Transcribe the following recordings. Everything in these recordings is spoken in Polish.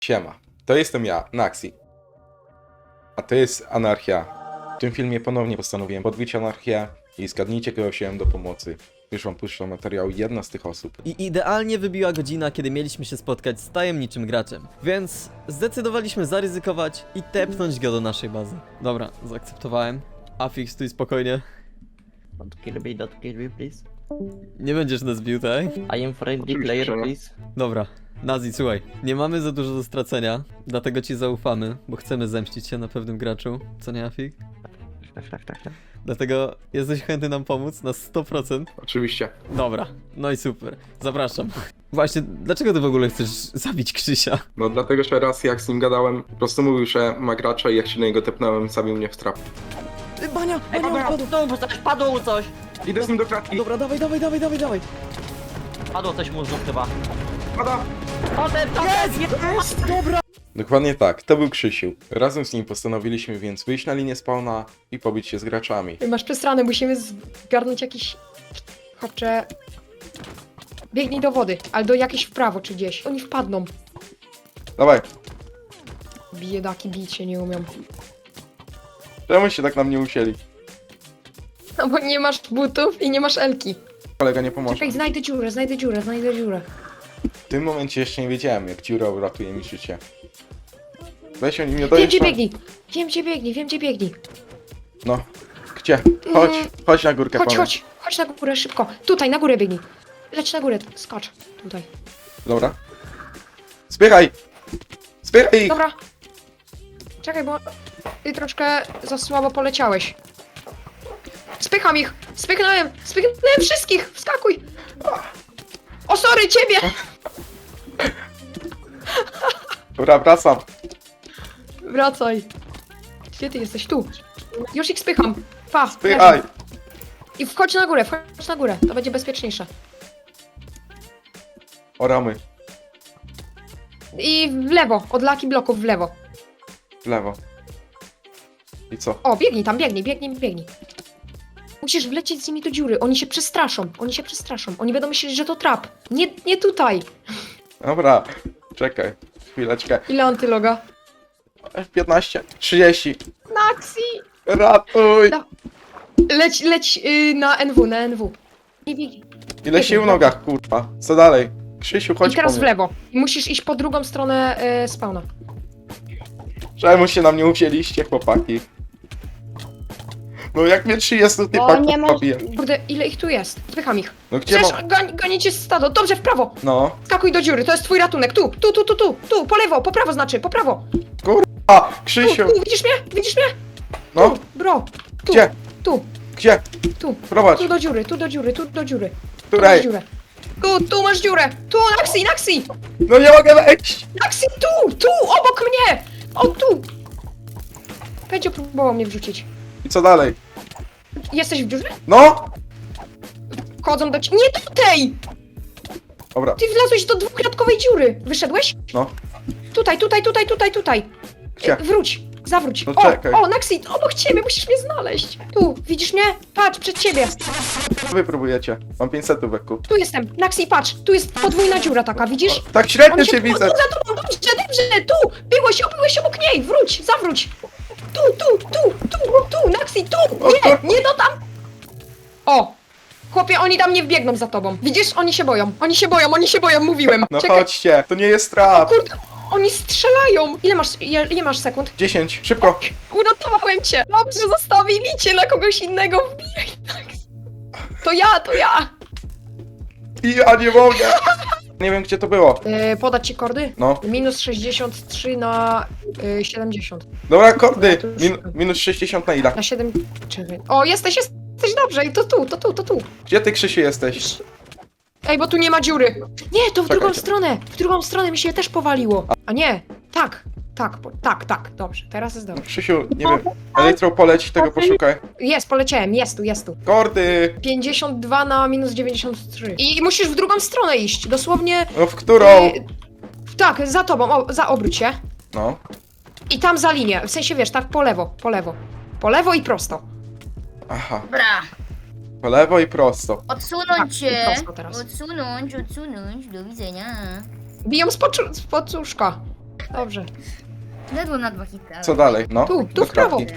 Siema, to jestem ja, Naxi. A to jest Anarchia. W tym filmie ponownie postanowiłem podbić Anarchię i zgadnijcie, kogo wziąłem do pomocy. Już wam puszczę materiał jedna z tych osób. I idealnie wybiła godzina, kiedy mieliśmy się spotkać z tajemniczym graczem. Więc zdecydowaliśmy zaryzykować i tepnąć go do naszej bazy. Dobra, zaakceptowałem. Afix, stój spokojnie. Don't kill me, please. Nie będziesz nas bił, tak? I am friendly Oczywiście, player, że nie. please. Dobra. Nazi, słuchaj, nie mamy za dużo do stracenia, dlatego ci zaufamy, bo chcemy zemścić się na pewnym graczu, co nie, Afik? Tak. Dlatego jesteś chętny nam pomóc na 100%? Oczywiście. Dobra, no i super, zapraszam. Właśnie, dlaczego ty w ogóle chcesz zabić Krzysia? No dlatego, że raz jak z nim gadałem, po prostu mówił, że ma gracza i jak się na niego tepnąłem, zabił mnie w trap. Bania, Ej, padło coś! Idę z nim do klatki. Dobra, dawaj. Padło coś mu znów chyba. Pada! Jest! Dobra! Dokładnie tak, to był Krzysiu. Razem z nim postanowiliśmy więc wyjść na linię spawna i pobić się z graczami. Masz przesrane, musimy zgarnąć jakiś... Chłopcze... Biegnij do wody, ale do jakiejś w prawo czy gdzieś. Oni wpadną. Dawaj, Biedaki bić się nie umią. czemu się tak na mnie usieli? No bo nie masz butów i nie masz elki. Kolega nie pomoże. Czekaj, znajdę dziurę. W tym momencie jeszcze nie wiedziałem, jak dziura uratuje mi życie. Weź oni mnie Wiem dojeżdża. gdzie biegnij. No, gdzie? Chodź na górkę, panie. Chodź na górę szybko. Tutaj, na górę biegnij. Leć na górę, skocz. Tutaj. Dobra. Zbieraj! Zbieraj ich! Dobra. Czekaj, bo ty troszkę za słabo poleciałeś. Spycham ich! Spychnąłem wszystkich! Wskakuj! O, sorry, ciebie! Dobra, wracam. Wracaj. Gdzie ty jesteś? Tu. Już ich spycham. Pa, Zbieraj! leżą. I wchodź na górę, to będzie bezpieczniejsze. Oramy. I w lewo, od laki bloków w lewo. W lewo. I co? O, biegnij tam, biegnij. Musisz wlecieć z nimi do dziury, oni się przestraszą. Oni będą myśleć, że to trap. Nie tutaj. Dobra. Czekaj. Chwileczkę. Ile antyloga? F15. 30. Naxi! Ratuj! Da- Leć na NW. Nie biegnij. Ile sił w nogach, kurwa. Co dalej? Krzysiu, chodź I teraz po w mnie. lewo. Musisz iść po drugą stronę spawna. Czemu się na mnie uwzięliście, chłopaki? No jak mnie 30 typa nie pobije. Kurde, ile ich tu jest? Spycham ich. No gdzie Przecież mam? gonicie stado. Dobrze, w prawo. No. Skakuj do dziury, to jest twój ratunek. Tu, po lewo, po prawo znaczy, po prawo. A! Krzysiu! Tu, widzisz mnie? No. Bro. Tu, Gdzie? Tu, Gdzie? tu. Prowadź. Tu do dziury. Tu masz Której? dziurę. Tu masz dziurę. Tu, Naxi. No nie mogę wejść! Naxi, tu, obok mnie. O, tu. Będzie próbował mnie wrzucić. I co dalej? Jesteś w dziurze? No! Wchodzą do ciebie. Nie do tej! Dobra. Ty wlazłeś do dwukratkowej dziury. Wyszedłeś? No. Tutaj. Gdzie? Zawróć. No czekaj. O, Naxi, obok ciebie, musisz mnie znaleźć. Tu, widzisz mnie? Patrz, przed ciebie. Co wy próbujecie? Mam 500 w eku. Tu jestem. Naxi, patrz, tu jest podwójna dziura taka, widzisz? Tak średnio On cię widzę! Tu za tobą, dobrze, tu! Byłeś obok niej, zawróć! Tu, Naxi, tu! Nie do tam! O! Chłopie, oni tam nie wbiegną za tobą. Widzisz? Oni się boją, mówiłem. No Czekaj, chodźcie, to nie jest trap! kurde, oni strzelają! Ile masz sekund? 10, szybko! Uratowałem cię! Dobrze, zostawili cię na kogoś innego, wbijaj, Naxi. To ja! I ja nie mogę! Nie wiem gdzie to było. Podać ci kordy? No. Minus 63 na 70. Dobra, kordy! to już- Minus 60 na ile? Na 7. Czekaj. O, jesteś dobrze i to tu. Gdzie ty, Krzysiu, jesteś? Ej, bo tu nie ma dziury. Nie, to w drugą Czekajcie. stronę. W drugą stronę mi się też powaliło. A nie, tak. Dobrze, teraz jest dobrze. Krzysiu, nie wiem. Elektro poleć, tego poszukaj. Jest, poleciałem, jest tu. Kordy! 52 na minus 93. I musisz w drugą stronę iść, dosłownie. No w którą? Tak, za tobą, za obróć się. No. I tam za linię, w sensie wiesz, tak po lewo. Po lewo i prosto. Aha. Dobra, Po lewo i prosto. Tak, odsunąć się. prosto teraz. Odsunąć, do widzenia. Biją z poczuszka. Dobrze. Ledwo na 2 hity. ale- Co dalej? No, Tu, do w prawo. kratki.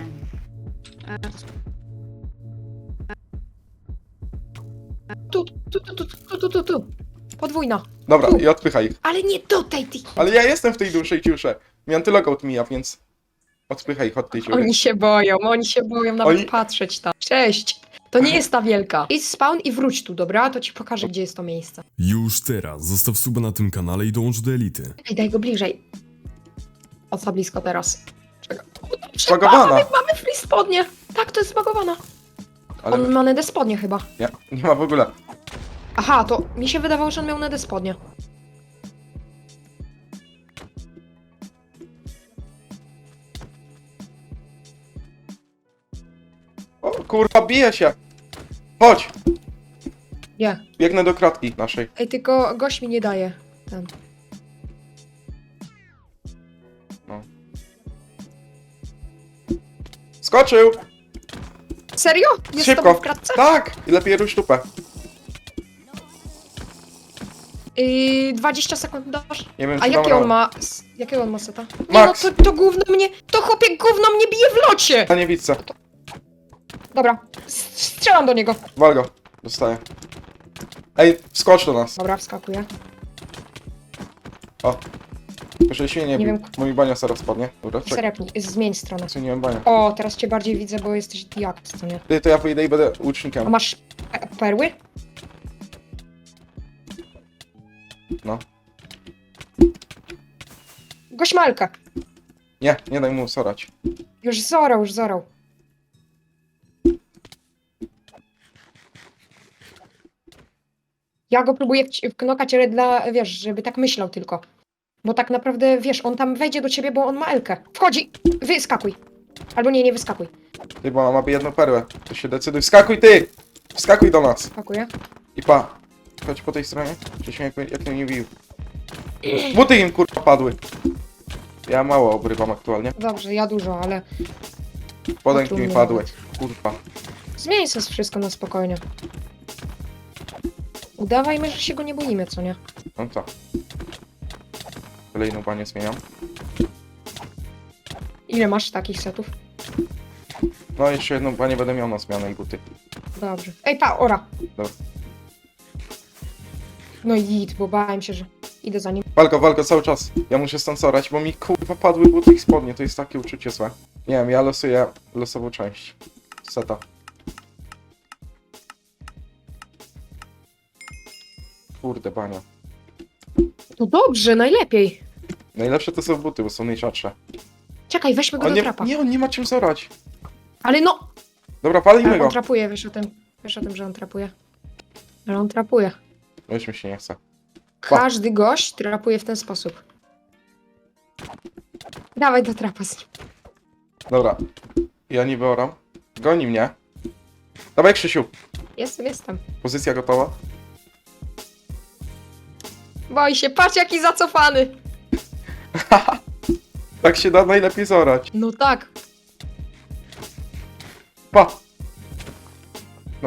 Tu. Podwójna. Dobra, Tu. i odpychaj ich. Ale nie tutaj, ty. Ale ja jestem w tej dłuższej ciusze. Mi antylogout mija, więc odpychaj ich od tej dziury. Oni się boją nawet Oni- patrzeć tam. Cześć. To nie jest ta wielka. Idź spawn i wróć tu, dobra? To ci pokażę, gdzie jest to miejsce. Już teraz zostaw suba na tym kanale i dołącz do elity. Ej, daj go bliżej. O, za blisko teraz. Czekaj. Zbagowana. Mamy free spodnie. Tak, to jest zbagowana. Ale On ma nedę spodnie chyba. nie ma w ogóle. Aha, to mi się wydawało, że on miał nedę spodnie. O kurwa, bije się. Chodź, Nie. biegnę do kratki naszej. Ej, tylko gość mi nie daje. Ten. Skoczył! Serio? Jest z Szybko. tobą w kratce? Tak! I lepiej rusz tupę. 20 sekund dasz. Nie wiem, A czy dam jakie on radę. ma... Jakiego on ma seta? Nie Max. no, to gówno mnie... To chłopie gówno mnie bije w locie! Ja nie widzę. Dobra. Strzelam do niego. Wal go. Dostaję. Ej, skocz do nas. Dobra, wskakuję. Proszę się nie Nie bił. wiem. Mój bania zaraz spadnie. Dobra, czekaj. Serepnij, zmień stronę. Zmieniłem bania. O, teraz cię bardziej widzę, bo jesteś jak, co nie? Ty, to ja wyjdę i będę A łucznikiem. masz perły? No. Gośmalka. Nie daj mu sorać. Już zorał. Ja go próbuję wknokać, ale wiesz, żeby tak myślał tylko. Bo tak naprawdę, wiesz, on tam wejdzie do ciebie, bo on ma Elkę. Wchodzi! Wyskakuj! Albo nie wyskakuj. Ty, bo mam jedną perłę. To się decyduj. Wskakuj ty! Wskakuj do nas. Wskakuję. I pa. Chodź po tej stronie. Przecież jak mnie nie bił. Buty im kurwa padły. Ja mało obrywam aktualnie. Dobrze, ja dużo, ale Podęki tu mi nie padły. nawet. Kurwa. zmień sobie wszystko na spokojnie. Udawajmy, że się go nie boimy, co nie? No to. Kolejną banię zmieniam. Ile masz takich setów? No jeszcze jedną banię będę miał na zmianę i buty. Dobrze. Ej, ora! Dobra. No i idź, bo bałem się, że idę za nim. Walko cały czas. Ja muszę stąd sorać, bo mi kurwa padły buty i spodnie. To jest takie uczucie złe. Nie wiem, ja losuję losową część. Seta. Kurde, bania. No dobrze, najlepiej. Najlepsze to są buty, bo są najrzadsze. Czekaj, weźmy go On do nie, trapa. nie, on nie ma czym zorać. Ale no! Dobra, palimy Ale go. on trapuje, wiesz o tym. Wiesz o tym, że on trapuje. Ale on trapuje. Weźmy się nie chce. Każdy gość trapuje w ten sposób. Dawaj do trapa z nim. Dobra. Ja niby oram. Goni mnie. Dawaj, Krzysiu. Jestem. Pozycja gotowa. Boi się, patrz jaki zacofany. Tak się da najlepiej zorać. No tak. Pa! No.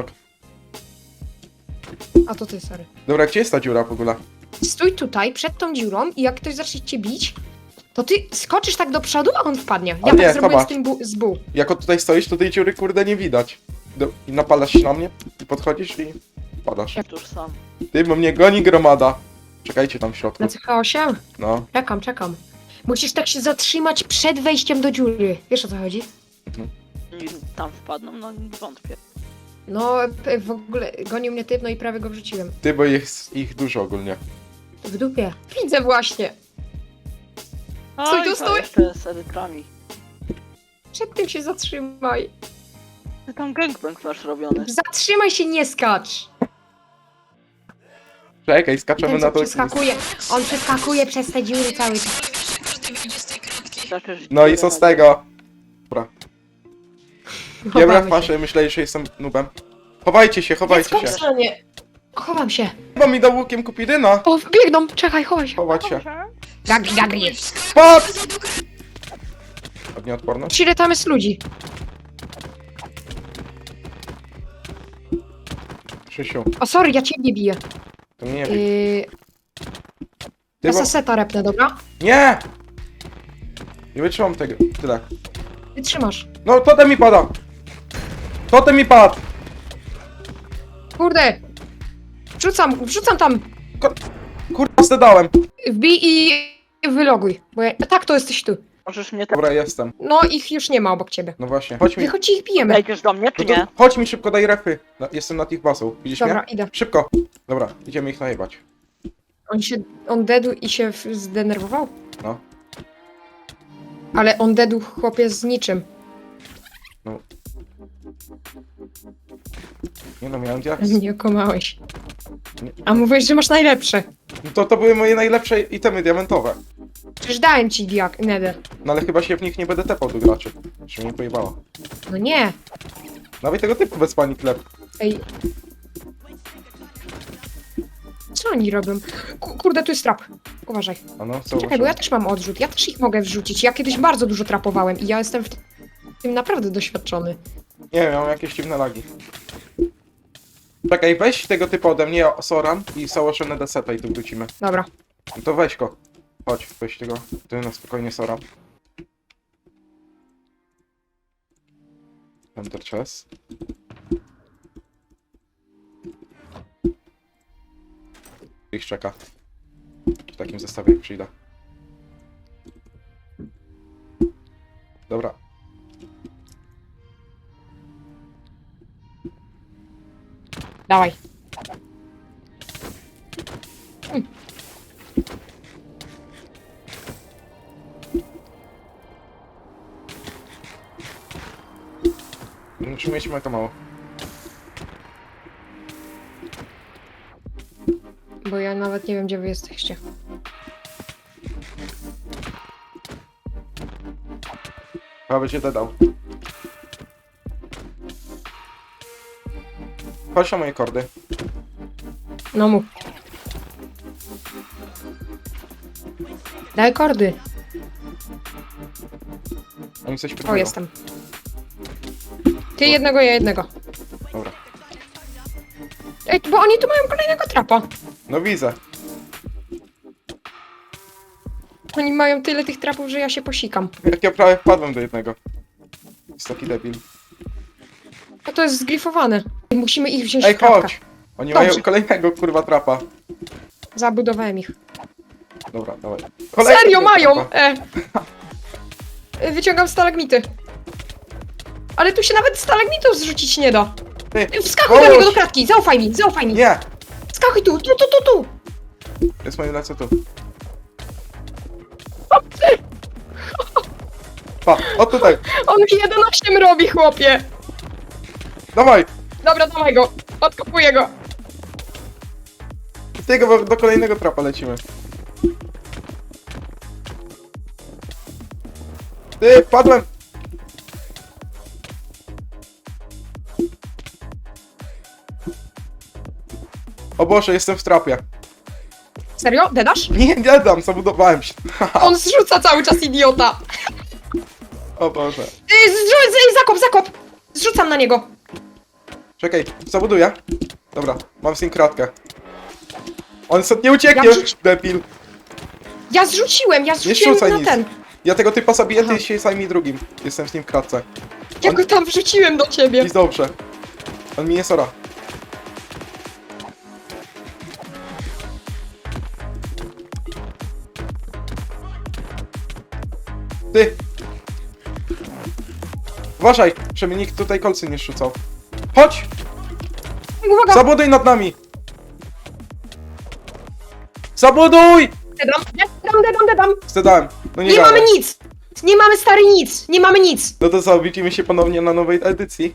A to ty, sorry. Dobra, gdzie jest ta dziura w ogóle? Stój tutaj, przed tą dziurą i jak ktoś zacznie cię bić, to ty skoczysz tak do przodu, a on wpadnie. Ja Ale tak nie, zrobiłem zobacz. z tym z buł. Jako tutaj stoisz, to tej dziury kurde nie widać. I napalasz się na mnie, i podchodzisz i padasz. Tuż sam. Ty, bo mnie goni gromada. Czekajcie tam w środku. Na CH8? No. Czekam. Musisz tak się zatrzymać przed wejściem do dziury. Wiesz o co chodzi? I tam wpadną, no wątpię. No, w ogóle gonił mnie typ, no i prawie go wrzuciłem. Ty, bo jest ich dużo ogólnie. W dupie. Widzę właśnie. Stój tu, Oj, to stój! jeszcze z edytrami. Przed tym się zatrzymaj. Ty tam gangbang masz robiony. Zatrzymaj się, nie skacz. Czekaj, skaczemy Ten, na co to. przeskakuje. On przeskakuje przez te dziury cały czas. Zaczniesz No i co z tego? Dobra. Nie Chowamy brać się. paszy, myśleli, że jestem nubem. Chowajcie się. Dziecko w stronie. Chowam się. Chyba mi dał łukiem kupidyna. O, biegną, czekaj, chowaj się. Chować się. Gagri. Spadł! Od nieodporność? Ile tam jest ludzi? Krzysiu, O, sorry, ja ciebie biję. to nie wiem. Yy, Ty, bo... Seta repnę, dobra? Nie! Nie wytrzymam tego. Tyle. Wytrzymasz. No, totem mi pada! Totem mi padł! Kurde! Wrzucam tam! Kurwa, zdedałem. Wbij i wyloguj. Bo ja... Tak, to jesteś tu. Możesz mnie tak... Dobra, jestem. No, ich już nie ma obok ciebie. No właśnie. Chodź mi. Wychodź i ich bijemy. Wejdziesz do mnie, czy No to nie? chodź mi szybko, daj refy. Jestem nad ich bazą. Widzisz Dobra, mnie? idę. Szybko. Dobra, idziemy ich najebać. On dedł i się zdenerwował? No. Ale on dedł chłopie z niczym. Nie no, miałem diaks. Nie okłamałeś. Nie. A mówisz, że masz najlepsze. No to były moje najlepsze itemy diamentowe. Przecież dałem ci nether. No ale chyba się w nich nie będę tepał do graczy. Że mnie pojebało. No nie. Nawet tego typu bez pani klep. Ej. Co oni robią? Kurde, tu jest trap. Uważaj. A no, co Czekaj, bo ja też mam odrzut. Ja też ich mogę wrzucić. Ja kiedyś bardzo dużo trapowałem i ja jestem w tym naprawdę doświadczony. Nie wiem, mam jakieś dziwne lagi. Czekaj, weź tego typu ode mnie, Soran i założone deseta i tu wrócimy. Dobra. No to weź go. Chodź, weź tego. Ty na spokojnie, Soran. Enter chest. Ich czeka. W takim zestawie jak przyjdę. Dobra. Dawaj. Musimy mieć to mało. Bo ja nawet nie wiem, gdzie wy jesteście. Chyba będzie dodał. Chodź na moje kordy. No mów. Daj kordy. Oni coś O, pytają. jestem. Ty jednego, ja jednego. Dobra. Ej, bo oni tu mają kolejnego trapa. No widzę. Oni mają tyle tych trapów, że ja się posikam. Jak ja prawie wpadłem do jednego. Jest taki debil. A to jest zgrifowane. Musimy ich wziąć Ej, w trapka. chodź! Oni Dobrze. mają kolejnego kurwa trapa. Zabudowałem ich. Dobra, dawaj. Serio mają! trapa. Wyciągam stalagmity. Ale tu się nawet stalagmitów zrzucić nie da. Ty, Wskakuj do niego do kratki, zaufaj mi, zaufaj mi. nie! Skakuj tu. Jest moje lecę tu. Pa, o tutaj! On mi 11 robi, chłopie. Dawaj! Dobra, dawaj go. Odkopuję go. Tego, bo do kolejnego trapa lecimy. Ty, padłem! O Boże, jestem w trapie. Serio? Dedasz? Nie dam, zabudowałem się. On zrzuca cały czas, idiota. O Boże. Zakop. Zrzucam na niego. Czekaj, zabuduję. Dobra, mam z nim kratkę. On stąd nie ucieknie, Ja wrzuci- debil. Ja zrzuciłem rzucaj na nic. ten. Ja tego typa zabiję, Aha. ty się zajmij drugim. Jestem z nim w kratce. Ja go tam wrzuciłem do ciebie. Jest dobrze. On mi nie sora. Ty! Uważaj, żeby nikt tutaj kolcy nie rzucał. Chodź! Uwaga, Zabuduj nad nami! Zabuduj! dedam. Zdedałem. No nie Nie gadaj. mamy nic. Nie mamy stary nic. Nie mamy nic. No to co, widzimy się ponownie na nowej edycji.